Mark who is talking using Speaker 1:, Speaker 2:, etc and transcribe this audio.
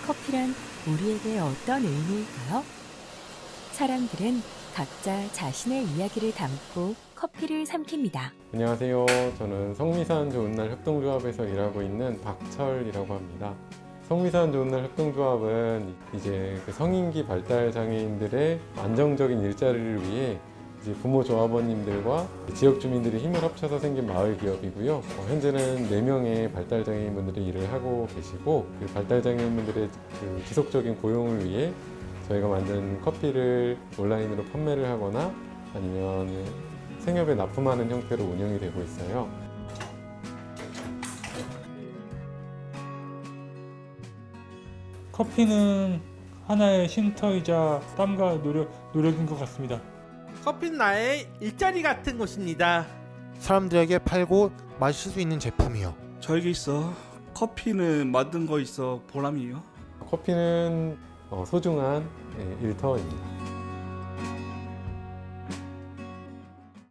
Speaker 1: 커피란 우리에게 어떤 의미일까요? 사람들은 각자 자신의 이야기를 담고 커피를 삼킵니다.
Speaker 2: 안녕하세요. 저는 성미산 좋은날 협동조합에서 일하고 있는 박철이라고 합니다. 성미산 좋은날 협동조합은 이제 그 성인기 발달 장애인들의 안정적인 일자리를 위해 이제 부모 조합원님들과 지역 주민들이 힘을 합쳐서 생긴 마을 기업이고요. 현재는 4명의 발달 장애인분들이 일을 하고 계시고, 그 발달 장애인분들의 그 지속적인 고용을 위해 저희가 만든 커피를 온라인으로 판매를 하거나 아니면 생협에 납품하는 형태로 운영이 되고 있어요.
Speaker 3: 커피는 하나의 쉼터이자 땀과 노력인 것 같습니다.
Speaker 4: 커피는 나의 일자리 같은 곳입니다.
Speaker 5: 사람들에게 팔고 마실 수 있는 제품이요.
Speaker 6: 저에게 있어 커피는 만든 거 있어 보람이에요.
Speaker 2: 커피는 소중한 일터입니다.